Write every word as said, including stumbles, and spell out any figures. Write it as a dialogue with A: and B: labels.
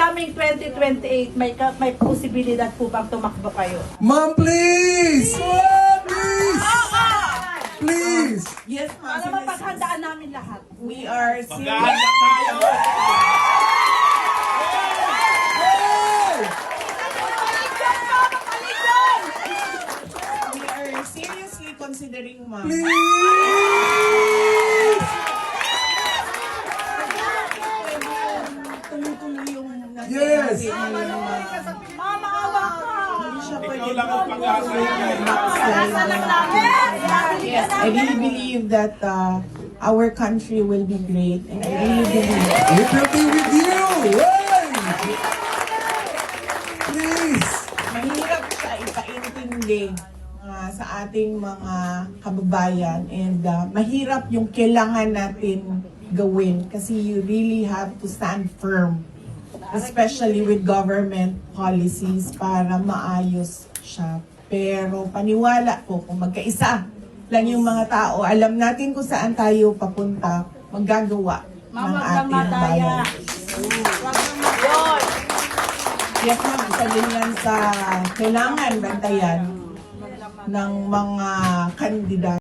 A: coming twenty twenty-eight, may ka- may posibilidad po bang tumakbo kayo?
B: Ma'am, please! Ma'am, please! Please!
C: Yes, ma'am.
A: Para mapaghandaan namin lahat.
C: We are serious.
D: Maghahanda tayo!
C: We are seriously considering, ma'am.
B: Please!
C: Tuloy-tuloy yung nasa
B: Yes.
C: natin ngayon, ma'am.
A: Mama, awa ka!
C: Hindi siya
D: Ikaw
C: pwede
D: lang ang pag-asa niya.
A: Nasa lang namin!
C: Yes, I really believe that uh, our country will be great. And I really believe.
B: It will be with you! Hey! Please!
C: Mahirap siya ipaintindi uh, sa ating mga kababayan. And uh, mahirap yung kailangan natin gawin. Kasi you really have to stand firm. Especially with government policies para maayos siya. Pero paniwala po, kung magkaisa lang yung mga tao, alam natin kung saan tayo papunta, maggagawa ng
A: Mama,
C: ating
A: madaya.
C: bayan. Yes, ma'am, isa din yan sa kailangan bantayan ng mga kandidato.